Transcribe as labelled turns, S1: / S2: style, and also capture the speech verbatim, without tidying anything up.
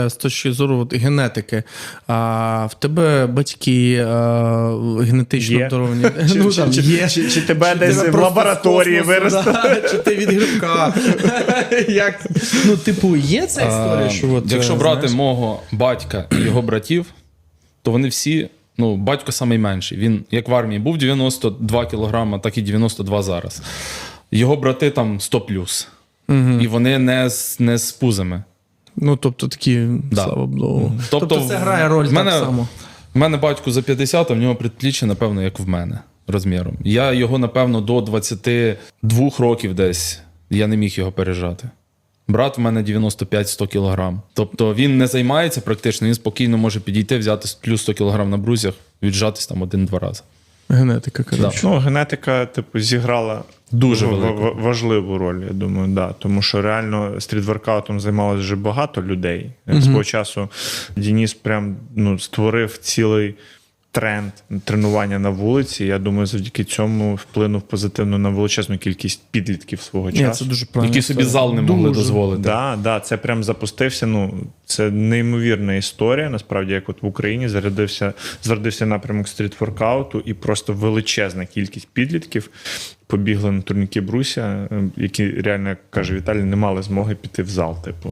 S1: З точки зору от, генетики, а в тебе батьки а, генетично
S2: Є.
S1: обдаровані?
S2: Чи,
S1: Ну,
S2: чи,
S1: там,
S2: чи,
S1: є.
S2: чи, чи тебе
S1: Чи
S2: десь
S1: тебе
S2: в
S1: просто
S2: лабораторії
S1: з космосу,
S2: виростили?
S1: да? Чи ти від грибка? Як? Ну, типу, є ця історія, що от,
S3: Якщо
S1: е,
S3: брати
S1: знаєш?
S3: мого батька і його братів, то вони всі, ну, батько найменший. Він, як в армії, був дев'яносто два кілограма, так і дев'яносто два зараз. Його брати там сто плюс.
S1: Угу.
S3: І вони не з, не з пузами.
S1: Ну, тобто такі,
S3: Да.
S1: слава Богу.
S3: Тобто,
S1: Тобто це грає роль
S3: в мене,
S1: так само.
S3: В мене батько за п'ятдесят, а в нього предпліччя, напевно, як в мене розміром. Я його, напевно, до двадцяти двох років десь, я не міг його пережати. Брат в мене дев'яносто п'ять - сто кілограм. Тобто він не займається практично, він спокійно може підійти, взяти плюс сто кілограм на брусьях, віджатись там один-два рази.
S1: Генетика, коротше.
S2: Ну, генетика, типу, зіграла
S3: Дуже
S2: в-
S3: велику.
S2: в- важливу роль, я думаю, да. Тому що реально стрітворкаутом займалося вже багато людей.
S1: Мгм.
S2: Свого часу Денис прям ну, створив цілий тренд тренування на вулиці. Я думаю, завдяки цьому вплинув позитивно на величезну кількість підлітків свого
S1: Ні,
S2: часу.
S1: це дуже правильно.
S3: Які собі зал не могли дозволити.
S2: Да, да, це прям запустився. Ну, це неймовірна історія. Насправді, як от в Україні зарядився, зародився напрямок стрітворкауту, і просто величезна кількість підлітків побігли на турніки бруся, які реально, як каже Віталій, не мали змоги піти в зал. Типу.